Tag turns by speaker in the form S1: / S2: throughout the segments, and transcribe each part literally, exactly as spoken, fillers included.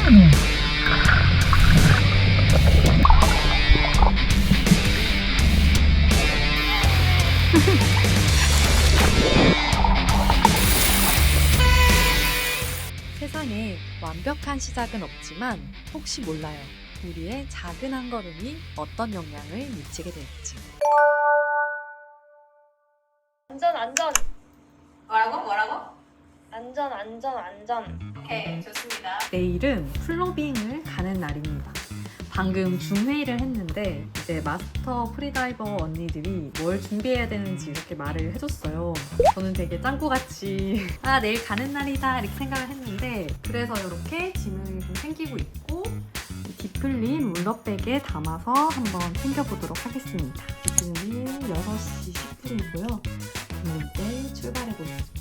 S1: 세상에 완벽한 시작은 없지만 혹시 몰라요. 우리의 작은 한 걸음이 어떤 영향을 미치게 될지.
S2: 안전 안전
S3: 뭐라고? 뭐라고?
S2: 안전 안전 안전.
S3: 오케이, 좋습니다.
S1: 내일은 플로빙을 가는 날입니다. 방금 줌회의를 했는데 이제 마스터 프리다이버 언니들이 뭘 준비해야 되는지 이렇게 말을 해줬어요. 저는 되게 짱구같이 아 내일 가는 날이다 이렇게 생각을 했는데 그래서 이렇게 짐을 좀 챙기고 있고 디플린 롤러백에 담아서 한번 챙겨보도록 하겠습니다. 지금은 여섯 시 십 분이고요. 저는 이제 출발해 보겠습니다.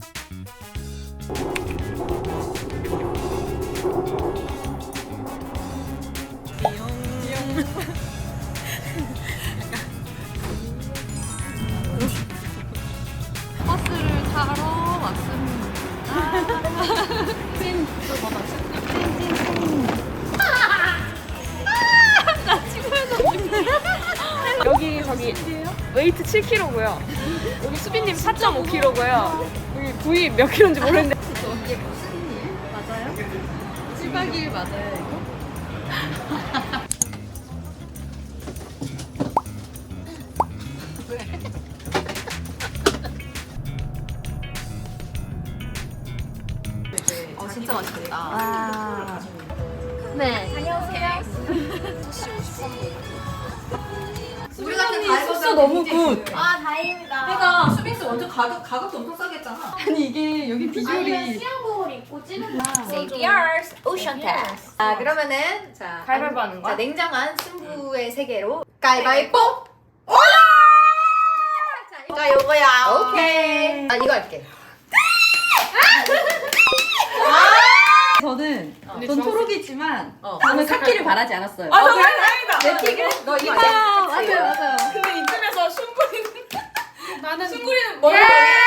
S1: 버스를 타러 왔습니다. 찐, 또 뭐다? 찐, 찐, 찐. 나 친구해서
S2: 여기 저기 웨이트 칠 킬로그램고요. 여기 수빈님 사 점 오 킬로그램고요. 여기 부위 몇 킬로인지 모르는데.
S1: 이게 무슨 일? 맞아요? 칠 박 이 일 맞아요, 이거?
S3: 어, 진짜 맛있겠다.
S1: 아,
S2: 네.
S3: 우리 같은 다이버들
S1: 숙소 너무 굿.
S3: 아, 다행입니다.
S2: 그러니까
S3: 수빈스 완전 가격, 가격도 엄청 싸게 했잖아.
S1: 아니 이게 여기 비주얼이
S2: 수영복을 입고 찌는 거.
S3: Safety Earth Ocean Test. 자, 그러면은 자,
S2: 가위바위보 하는 거야?
S3: 자, 냉정한 승부의 세계로 가위바위보. 올라! 자, 자, 요거야. 오케이. 아, 이거 할게.
S1: 저는
S2: 언니
S1: 전
S2: 주황색.
S1: 초록이지만
S3: 어.
S1: 저는 카키를 바라지 않았어요.
S2: 아, 정말 다행이다.
S3: 내 픽은 너 이거
S1: 아,
S3: 아니야?
S1: 맞아요, 맞아요.
S2: 근데 이쯤에서 슌구리는 나는 슌구리는
S3: 예!
S2: 머리.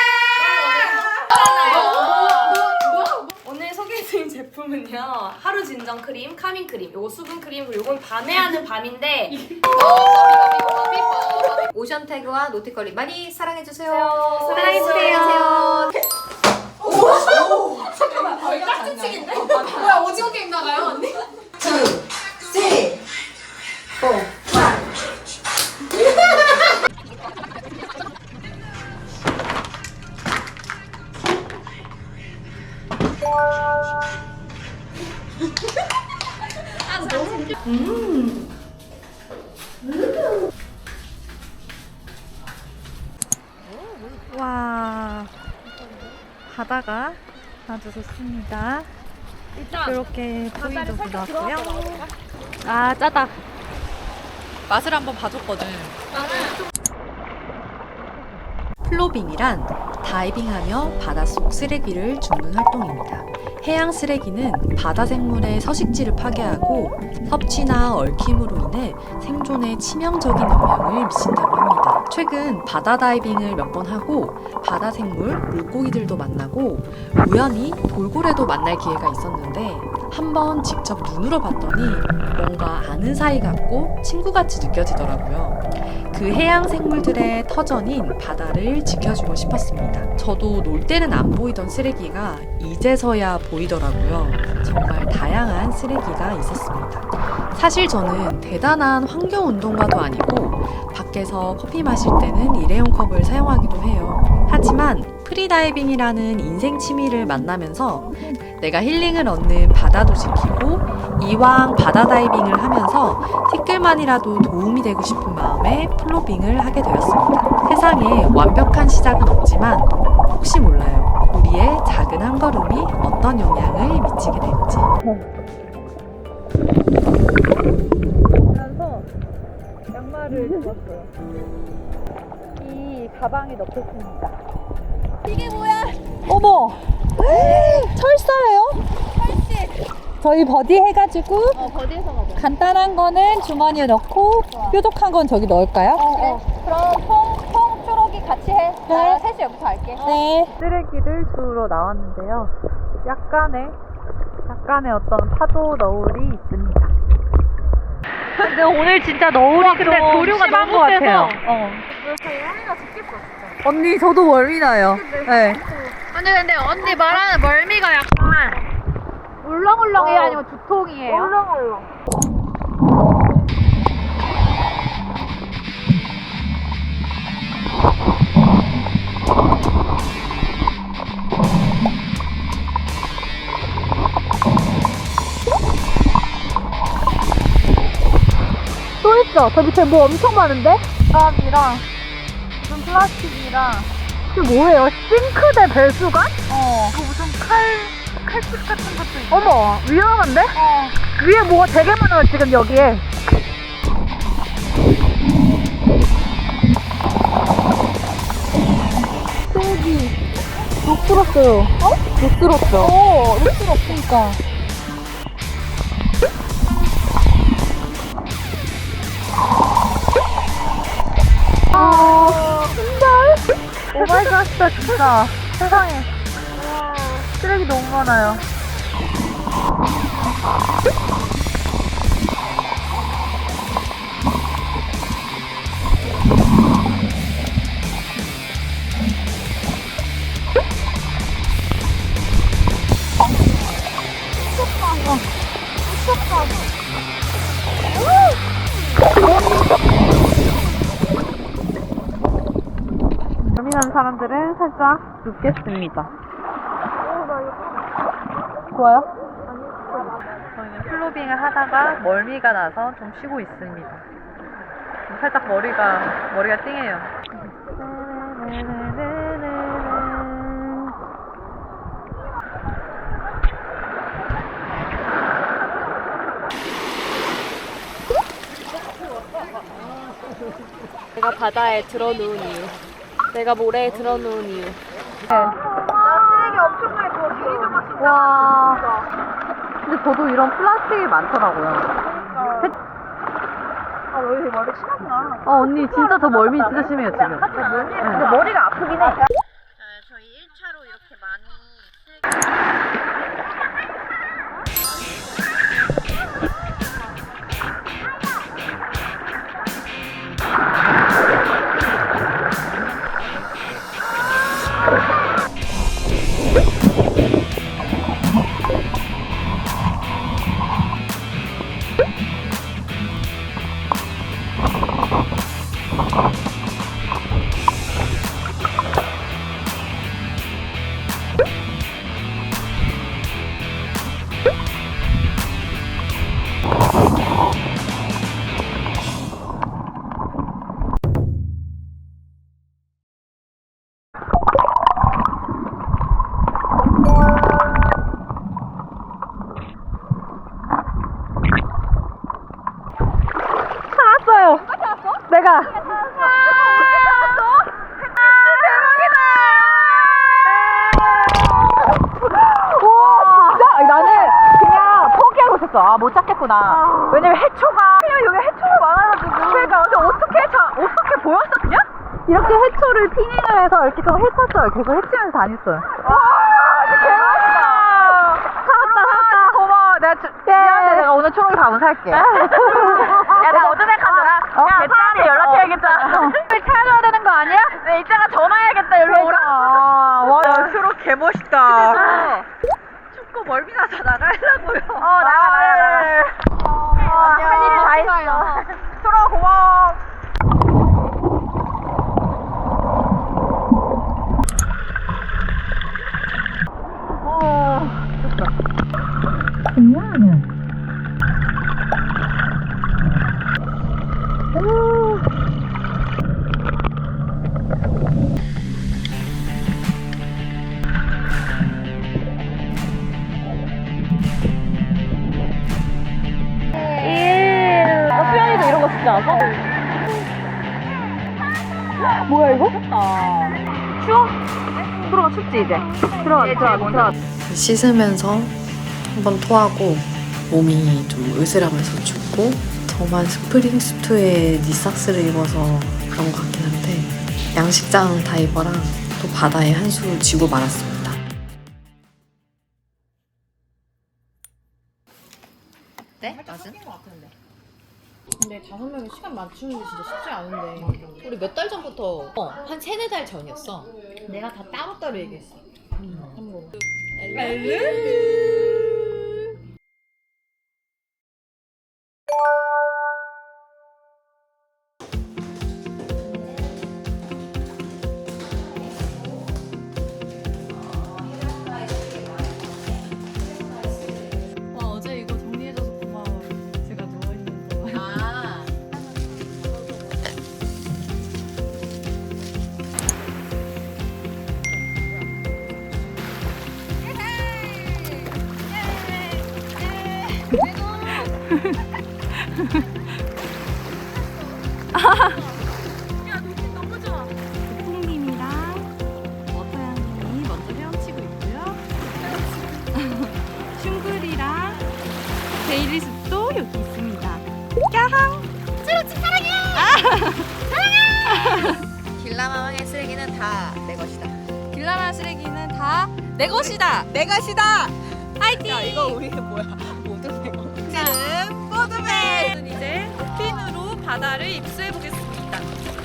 S3: 뭐?
S2: 오늘 소개해드린 제품은요 하루 진정 크림, 카밍 크림, 요거 수분 크림, 그리고 요건 밤에 하는 밤인데
S3: 오션 태그와 노티컬리 많이 사랑해주세요.
S2: 사랑해주세요.
S3: 잠깐만, 거의 깍지치기인데? 뭐야, 오징어 게임 나가요, 언니? two, three, four, five.
S1: 와, 바다가 아주 좋습니다. 이렇게 보이도 나왔고요. 아, 짜다. 맛을 한번 봐줬거든. 플로빙이란 다이빙하며 바닷속 쓰레기를 줍는 활동입니다. 해양 쓰레기는 바다 생물의 서식지를 파괴하고 섭취나 얽힘으로 인해 생존에 치명적인 영향을 미친다고 합니다. 최근 바다 다이빙을 몇 번 하고 바다 생물, 물고기들도 만나고 우연히 돌고래도 만날 기회가 있었는데 한번 직접 눈으로 봤더니 뭔가 아는 사이 같고 친구같이 느껴지더라고요. 그 해양 생물들의 터전인 바다를 지켜주고 싶었습니다. 저도 놀 때는 안 보이던 쓰레기가 이제서야 보이더라고요. 정말 다양한 쓰레기가 있었습니다. 사실 저는 대단한 환경운동가도 아니고 밖에서 커피 마실 때는 일회용 컵을 사용하기도 해요. 하지만 프리다이빙이라는 인생 취미를 만나면서 내가 힐링을 얻는 바다도 지키고 이왕 바다 다이빙을 하면서 티끌만이라도 도움이 되고 싶은 마음에 플로빙을 하게 되었습니다. 세상에 완벽한 시작은 없지만 혹시 몰라요. 우리의 작은 한 걸음이 어떤 영향을 미치게 될지. 그래서 양말을 접었어요. 이 가방에 넣겠습니다.
S4: 이게 뭐야?
S1: 어머! 철사예요?
S4: 철씨.
S1: 저희 버디 해가지고
S4: 어, 버디에서 먹어.
S1: 간단한 거는 주머니에 넣고 뾰족한 건 저기 넣을까요?
S4: 어, 그래. 그럼 통, 통, 초록이 같이 해.
S1: 네.
S4: 나 셋이 여기서 할게.
S1: 네. 쓰레기를 주우러 나왔는데요. 약간의 약간의 어떤 파도 너울이 있습니다. 근데 오늘 진짜 너울이 근데 조류가 심한 것 같아요. 어. 언니 저도 멀미 나요. 네.
S4: 언니 근데 언니 말하는 멀미가 약간 울렁울렁해요? 아니면 두통이에요? 울렁울렁. 또 있어. 저 밑에 뭐 엄청 많은데? 땀이랑 무슨 플라스틱이랑 그 뭐예요? 싱크대 배수관? 어. 그 무슨 칼, 칼집 같은 것도 있어. 어머, 위험한데? 어. 위에 뭐가 되게 많아요, 지금 여기에. 저기, 녹 들었어요. 어? 녹 들었어. 어, 녹 들었으니까. 아, 진짜? 오마이갓, 진짜. 세상에. 쓰레기 너무 많아요. 예민한 사람들은 살짝 눕겠습니다. 좋아요? 저희는 플로빙을 하다가 멀미가 나서 좀 쉬고 있습니다. 살짝 머리가 머리가 띵해요.
S2: 내가 바다에 들어놓은 이유. 내가 모래에 들어놓은 이유.
S1: 와. 근데 저도 이런 플라스틱이 많더라고요.
S4: 아, 너 이렇게 머리 심하구나.
S1: 어, 언니 진짜 저 멀미 진짜 심해요, 지금. 네.
S4: 근데 머리가 아프긴 해.
S3: 저희 일 차로 이렇게 많이
S1: 찾았어요. 내가. 와, 진짜? 나는 그냥 포기하고 있었어. 아, 못 찾겠구나. 왜냐면 해초가, 그냥 여기 해초가 많아가지고. 그러니까, 근데 어떻게, 자, 어떻게 보였어, 그냥? 이렇게 해초를 피닝을 해서 이렇게 좀 해쳤어요. 계속 해치면서 다녔어요. 와, 진짜 개맛있다. 살았다, 살았다. 고마워. 내가, 주, 미안해. 내가 오늘 초록이 밥은 살게. 야, 나 어드백 하더라. 야, 배짱한테 연락해야겠다. 왜 찾아야 되는 거 아니야? 네, 이따가 전화해야겠다. 여기로 오라. 와, 야, 초록 개멋있다. 춥고 멀미 나서 나가려고요. 어, 나가, 나가, 나가. 할 일이 다 있어. 초록 고마워. 수연이도 이런 거 진짜 않아? 뭐야 이거? 추워? 들어가 춥지 이제? 들어가 들어가 들어가.
S5: 씻으면서 한번 토하고 몸이 좀 으스라면서 춥고 저만 스프링 수트에 니삭스를 입어서 그런 것 같긴 한데 양식장 다이버랑 또 바다에 한수 쥐고 말았습니다.
S3: 어때? 맛은?
S2: 근데 다섯 명이 시간 맞추는 게 진짜 쉽지 않은데.
S3: 우리 몇 달 전부터 어, 한 세네 달 전이었어.
S2: 내가 다 따로따로 얘기했어. 참고로.
S1: 와 어제 이거 정리해줘서 고마워. 제가 누워있는 동안.
S3: 아.
S2: 야, 눈빛 너무 좋아.
S1: 풍님이랑 머터양님이 먼저 헤엄치고 있고요. 슝글이랑 데일리숲도 여기 있습니다. 까항!
S3: 길라마왕의 쓰레기는 다 내 것이다.
S1: 길라마 쓰레기는 다 내 것이다!
S3: 내 것이다.
S1: 화이팅!
S3: 야 이거 우리 뭐야? 모두 내 것. 지금
S1: 포드맨! 저는 이제 핀으로 바다를 입수해 보겠습니다.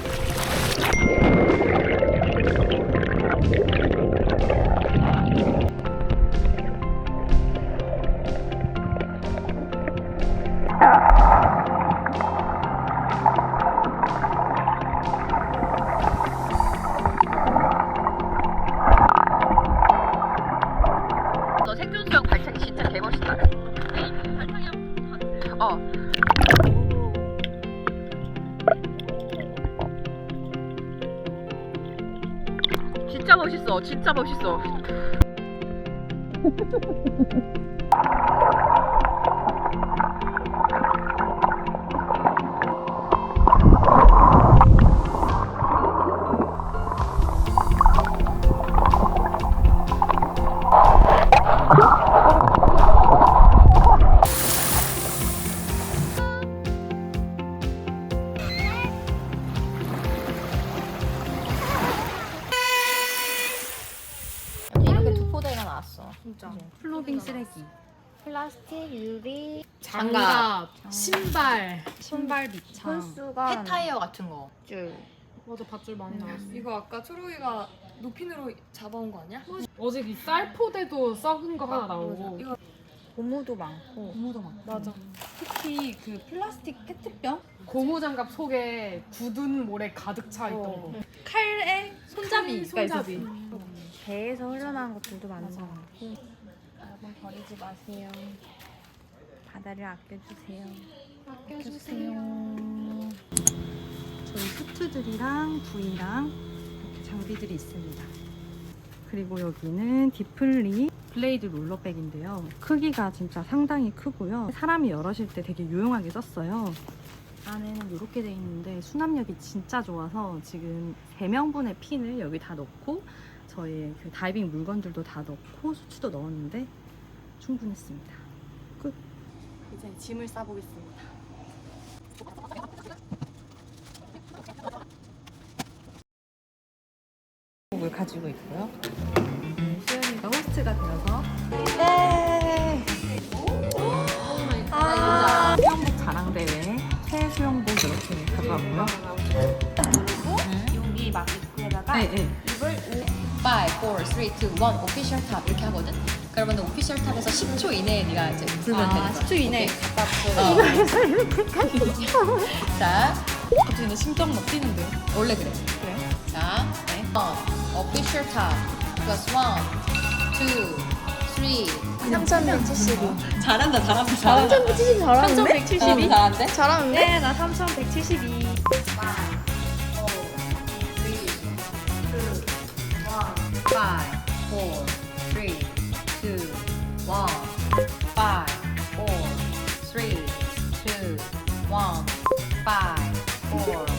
S3: 너 생존수영 발차기 진짜 개멋있다. 발차기 한 어. 진짜 멋있어. 진짜 멋있어. 이렇게 두 포대가 나왔어.
S2: 진짜.
S1: 플로빙 쓰레기.
S3: 플라스틱, 유리,
S2: 장갑, 신발.
S1: 신발 밑창.
S3: 폐타이어 같은 거. 줄.
S2: 맞아, 밧줄 많이 나왔어.
S6: 이거 아까 초록이가 노핀으로 잡아온 거 아니야?
S2: 어제 그 쌀포대도 썩은 거 하나 나오고.
S6: 이거
S1: 고무도 많고. 고무도 많고.
S2: 맞아.
S1: 특히 그 플라스틱 페트병?
S2: 고무장갑 속에 굳은 모래 가득 차 있던 거.
S1: 칼에 손잡이가
S2: 손잡이.
S1: 있었어.
S4: 배에서 흘러나온 것들도 많은 것 같고 여러분 버리지 마세요. 바다를 아껴주세요.
S1: 아껴주세요. 저희 수트들이랑 부이랑 이렇게 장비들이 있습니다. 그리고 여기는 디플리 블레이드 롤러백인데요. 크기가 진짜 상당히 크고요. 사람이 열으실 때 되게 유용하게 썼어요. 안에는 이렇게 돼 있는데 수납력이 진짜 좋아서 지금 세 명분의 핀을 여기 다 넣고 저희 그 다이빙 물건들도 다 넣고 수트도 넣었는데 충분했습니다. 끝. 이제 짐을 싸보겠습니다. 을 가지고 있고요. 수연이가 호스트가 되어서 네. 아, 수영복 자랑대회 최수영복 이렇게 가져왔고요.
S4: 여기 마스크에다가
S1: 네, 네.
S3: 파이브, 사, 삼, 이, 일 오피셜 탑 이렇게 하거든? 그러면 오피셜 탑에서 십 초 이내에 네가 이제 불면 되는 거야.
S1: 십 초 이내.
S3: 어. 자,
S1: 갑자기 내 심장 막 뛰는데요.
S3: 원래 그래.
S1: 그래요?
S3: 자, 네. 오피셜 탑 플러스 일, 이, 삼
S4: 삼천백칠십이.
S3: 잘한다, 잘한다, 잘한다.
S4: 삼천백칠십이 잘하는데?
S3: 삼천백칠십이? 잘한데?
S4: 잘하는데?
S1: 네, 나 삼천백칠십이.
S3: five, four, three, two, one. five, four, three, two, one. five, four,